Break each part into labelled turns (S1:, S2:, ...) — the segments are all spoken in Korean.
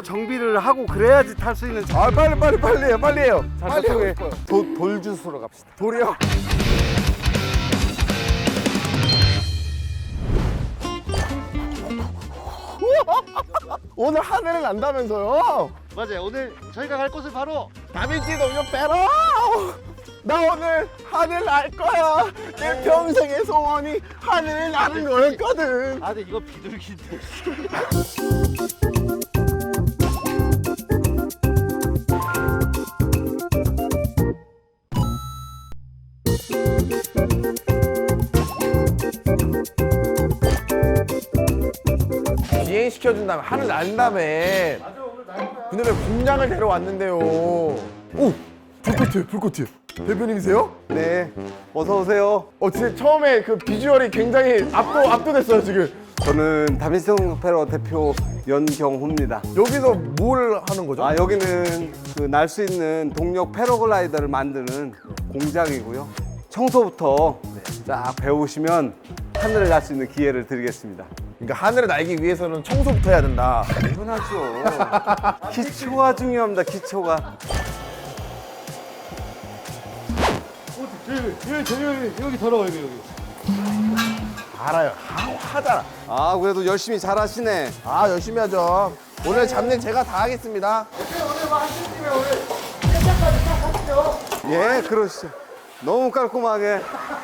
S1: 정비를 하고 그래야지 탈 수 있는.
S2: 아 빨리 해요 빨리 해요. 빨리 하고
S1: 저쪽에
S2: 싶어요.
S1: 돌주스로 갑시다.
S2: 돌이요. 오늘 하늘을 난다면서요?
S1: 맞아요. 오늘 저희가 갈 곳은 바로
S2: 다빈치 동료 빼러. 나 오늘 하늘 날 거야. 내 평생의 소원이 하늘 나는 거였거든.
S1: 근데 이거 비둘기인데.
S2: 비행 시켜준 다음에 하늘 난 다음에. 근데 왜 공장을 데려왔는데요? 오 불꽃이에요. 대표님이세요?
S1: 네. 어서 오세요.
S2: 진짜 처음에 그 비주얼이 굉장히 압도됐어요 지금.
S1: 저는 다빈치 페러 대표 연경호입니다.
S2: 여기서 뭘 하는 거죠?
S1: 여기는 그 날 수 있는 동력 패러글라이더를 만드는 공장이고요. 청소부터 쫙 배우시면 하늘을 날 수 있는 기회를 드리겠습니다.
S2: 그러니까 하늘을 날기 위해서는 청소부터 해야 된다.
S1: 당연하죠. 기초가 중요합니다. 기초가. 여기 더러워 여기.
S2: 알아요. 하잖아.
S1: 그래도 열심히 잘하시네.
S2: 열심히 하죠. 오늘 잡는 제가 다 하겠습니다.
S1: 예, 그러시죠. 너무 깔끔하게.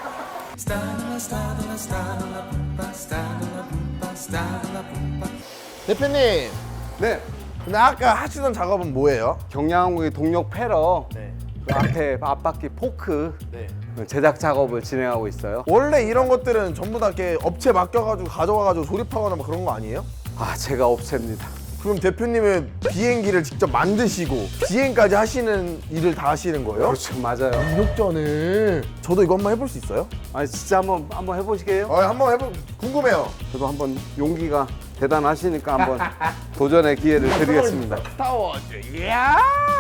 S2: 대표님,
S1: 네.
S2: 근데 아까 하시던 작업은 뭐예요?
S1: 경량항공의 동력 패러.
S2: 네.
S1: 그 앞에 앞바퀴 포크 제작 작업을 진행하고 있어요.
S2: 원래 이런 것들은 전부 다 이렇게 업체 맡겨가지고 가져와가지고 조립하거나 뭐 그런 거 아니에요?
S1: 제가 업체입니다.
S2: 그럼 대표님은 비행기를 직접 만드시고 비행까지 하시는 일을 다 하시는 거예요?
S1: 그렇죠, 맞아요.
S2: 이력전을 저도 이거 한번 해볼 수 있어요?
S1: 진짜 한번 해보시게요?
S2: 한번 궁금해요.
S1: 저도 한번 용기가 대단하시니까 한번 도전의 기회를 드리겠습니다.
S2: 스타워즈, 이야!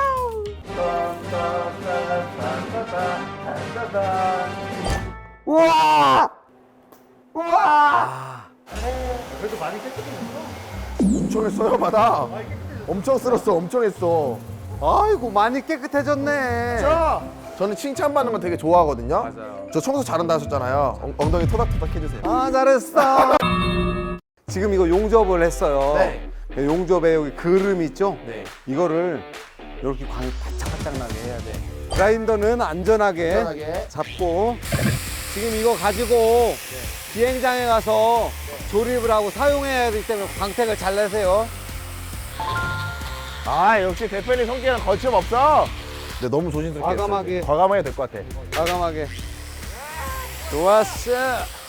S2: 우와! 우와!
S1: 그래도 많이 깨끗해졌어.
S2: 엄청 했어요, 바다. 엄청 쓸었어, 엄청 했어.
S1: 아이고, 많이 깨끗해졌네.
S2: 자, 저는 칭찬받는 거 되게 좋아하거든요.
S1: 맞아요.
S2: 저 청소 잘한다 하셨잖아요. 엉덩이 토닥토닥 해주세요.
S1: 잘했어. 지금 이거 용접을 했어요.
S2: 네.
S1: 용접에 여기 그름 있죠?
S2: 네.
S1: 이거를 이렇게 광이 바짝바짝 나게 해야 돼. 그라인더는 안전하게,
S2: 안전하게.
S1: 잡고 지금 이거 가지고 비행장에 가서 조립을 하고 사용해야 되기 때문에 광택을 잘 내세요.
S2: 역시 대표님 성격은 거침없어. 근데 너무 조심스럽게
S1: 과감하게.
S2: 했어요. 과감하게 될 것 같아.
S1: 과감하게. 좋았어.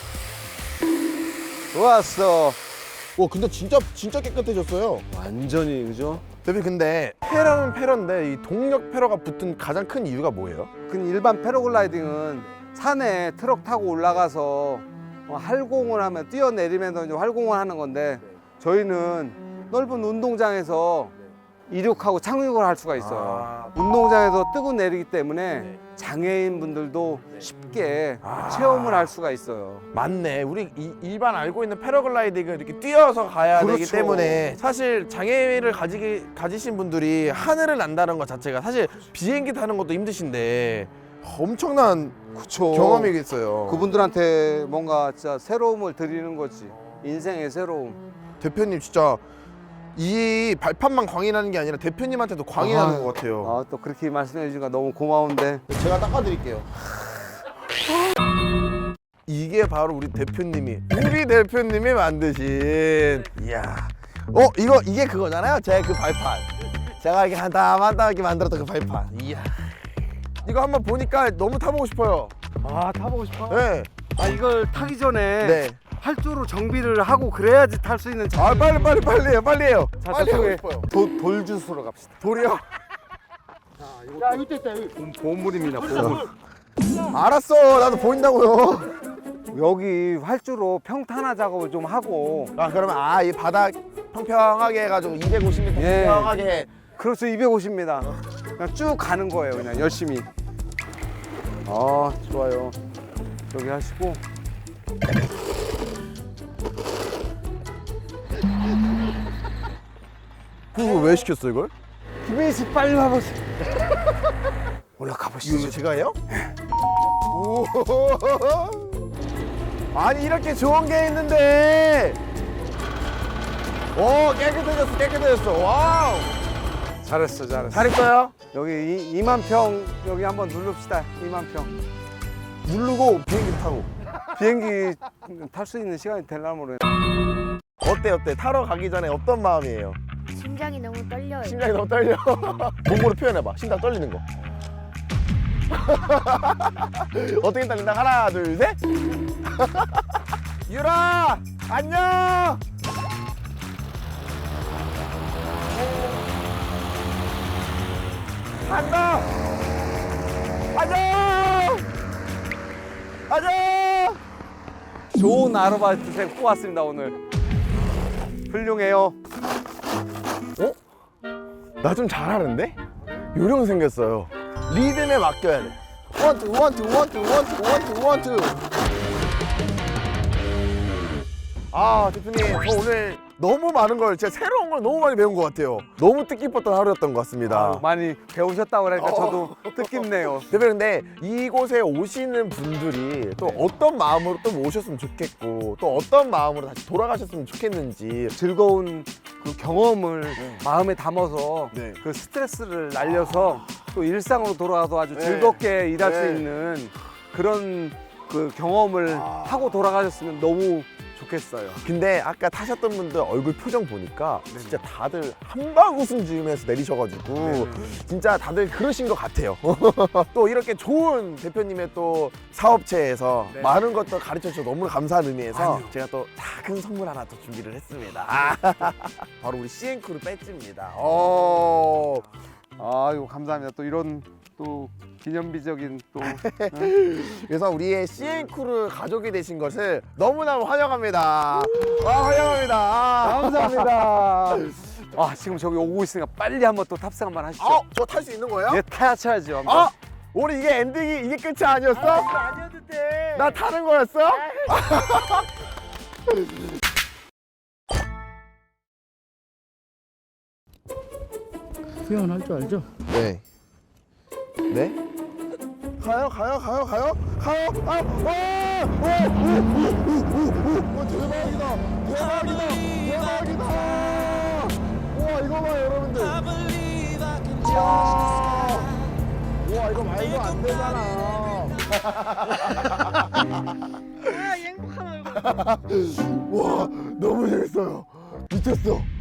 S1: 좋았어.
S2: 근데 진짜 깨끗해졌어요.
S1: 완전히, 그죠?
S2: 대표님, 근데 패러는 패러인데 이 동력 패러가 붙은 가장 큰 이유가 뭐예요?
S1: 일반 패러글라이딩은 산에 트럭 타고 올라가서 활공을 하면 뛰어내리면서 이제 활공을 하는 건데 저희는 넓은 운동장에서 이륙하고 착륙을 할 수가 있어요. 운동장에서 뜨고 내리기 때문에 장애인 분들도 쉽게 체험을 할 수가 있어요.
S2: 맞네. 우리 일반 알고 있는 패러글라이딩은 이렇게 뛰어서 가야 되기
S1: 그렇죠.
S2: 때문에 사실 장애를 가지신 분들이 하늘을 난다는 것 자체가 사실 비행기 타는 것도 힘드신데 엄청난
S1: 그쵸.
S2: 경험이겠어요.
S1: 그분들한테 뭔가 진짜 새로움을 드리는 거지. 인생의 새로움.
S2: 대표님 진짜 이 발판만 광이 나는 게 아니라 대표님한테도 광이 나는 것 같아요.
S1: 또 그렇게 말씀해 주니까 너무 고마운데.
S2: 제가 닦아드릴게요. 이게 바로 우리 대표님이 만드신. 이야. 이게 그거잖아요. 제 그 발판. 제가 이렇게 한 땀 이렇게 만들었던 그 발판. 이야. 이거 한번 보니까 너무 타보고 싶어요.
S1: 타보고 싶어?
S2: 네.
S1: 이걸 타기 전에
S2: 네.
S1: 활주로 정비를 하고 그래야지 탈 수 있는.
S2: 빨리 해요. 빨리 해요.
S1: 자,
S2: 빨리 하고
S1: 저쪽에
S2: 싶어요.
S1: 돌주스로 갑시다.
S2: 돌이요?
S1: 야, 여기 있다. 보물입니다. 보물.
S2: 알았어. 나도 보인다고요.
S1: 여기 활주로 평탄화 작업을 좀 하고.
S2: 그러면 이 바닥 평평하게 해가지고 250m
S1: 예.
S2: 평평하게.
S1: 그렇죠. 250입니다. 그냥 쭉 가는 거예요. 그냥 열심히. 좋아요. 여기 하시고.
S2: 그거 왜 시켰어 이걸?
S1: 김혜희 씨 빨리 와보세요. 올라가
S2: 이거
S1: 보시죠.
S2: 제가 해요? 오. 아니 이렇게 좋은 게 있는데. 오 깨끗해졌어 깨끗해졌어. 와우.
S1: 잘했어, 잘했어.
S2: 잘했어요?
S1: 여기 2만 평 여기 한번 누릅시다. 2만 평.
S2: 누르고 비행기 타고.
S1: 비행기 탈 수 있는 시간이 되려면 모르겠네.
S2: 어때 타러 가기 전에 어떤 마음이에요?
S3: 심장이 너무 떨려요.
S2: 심장이 너무 떨려. 몸으로 표현해봐. 심장 떨리는 거. 어떻게 떨린다? 하나, 둘, 셋. 유라, 안녕. 간다. 안녕. 안녕.
S1: 좋은 아르바이트생 뽑았습니다 오늘. 훌륭해요.
S2: 어? 나 좀 잘하는데? 요령 생겼어요. 리듬에 맡겨야 돼. 원투 원투 원투 원투 원투 원투. 아 대표님 저 오늘 너무 많은 걸 제가 새로운 걸 너무 많이 배운 것 같아요. 너무 뜻깊었던 하루였던 것 같습니다.
S1: 많이 배우셨다고 그러니까 저도 뜻깊네요.
S2: 대표님 근데 이곳에 오시는 분들이 또 어떤 마음으로 또 오셨으면 좋겠고 또 어떤 마음으로 다시 돌아가셨으면 좋겠는지.
S1: 즐거운 그 경험을 마음에 담아서
S2: 네.
S1: 그 스트레스를 날려서 또 일상으로 돌아가서 아주
S2: 네.
S1: 즐겁게 일할 수
S2: 네.
S1: 있는 그런 그 경험을 하고 돌아가셨으면 너무 좋겠어요.
S2: 근데 아까 타셨던 분들 얼굴 표정 보니까 진짜 다들 한방 웃음 지으면서 내리셔가지고 진짜 다들 그러신 것 같아요. 또 이렇게 좋은 대표님의 또 사업체에서
S1: 네.
S2: 많은 것들 가르쳐 주셔서 너무 감사한 의미에서
S1: 아니요.
S2: 제가 또 작은 선물 하나 또 준비를 했습니다. 바로 우리 CN크루 배지입니다.
S1: 아이고 감사합니다. 또 이런 또 기념비적인 또
S2: 그래서 우리의 CN크루 가족이 되신 것을 너무너무 환영합니다. 환영합니다.
S1: 감사합니다. 아 지금 저기 오고 있으니까 빨리 한번 또 탑승 한번 하시죠.
S2: 저 탈 수 있는 거예요?
S1: 예, 타야죠 한번.
S2: 우리 이게 엔딩이 이게 끝이 아니었어?
S3: 아니어도 돼.
S2: 나 타는 거였어?
S4: 수영할 줄 알죠?
S2: 네. 네? 가요? 대박이다! 우와, 이거 봐요, 여러분들. 우와, 이거 말도 안 되잖아.
S3: 아, 행복한 얼굴.
S2: 와, 너무 재밌어요. 미쳤어.